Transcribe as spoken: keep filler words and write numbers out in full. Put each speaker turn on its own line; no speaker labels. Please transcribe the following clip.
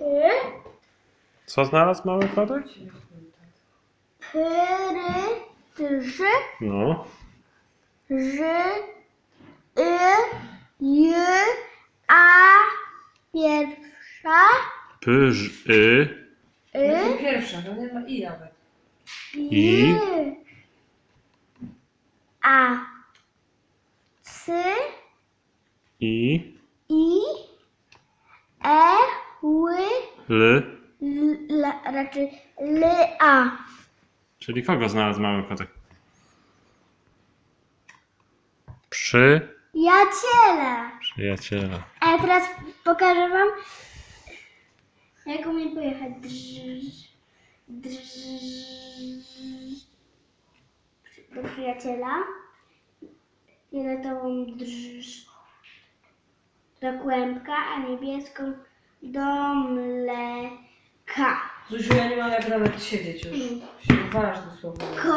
Py.
Co znalazł mały kotek?
Pry. Trzy.
No.
Ż. Y. J. A. Pierwsza.
Pyż, y,
No to
Y.
pierwsza, to nie ma i nawet.
I.
J. A. C.
i,
I. E. Ły.
l.
L, raczej L. A.
Czyli kogo znalazł mały kotek? Przy
Jaciela.
przyjaciela.
A ja teraz pokażę wam, jak umiem pojechać. Drż, drż, do przyjaciela. Fioletową drż, do kłębka, a niebieską do mleka.
Zuziu, ja nie mam jak nawet siedzieć już. Się walasz dosłownie.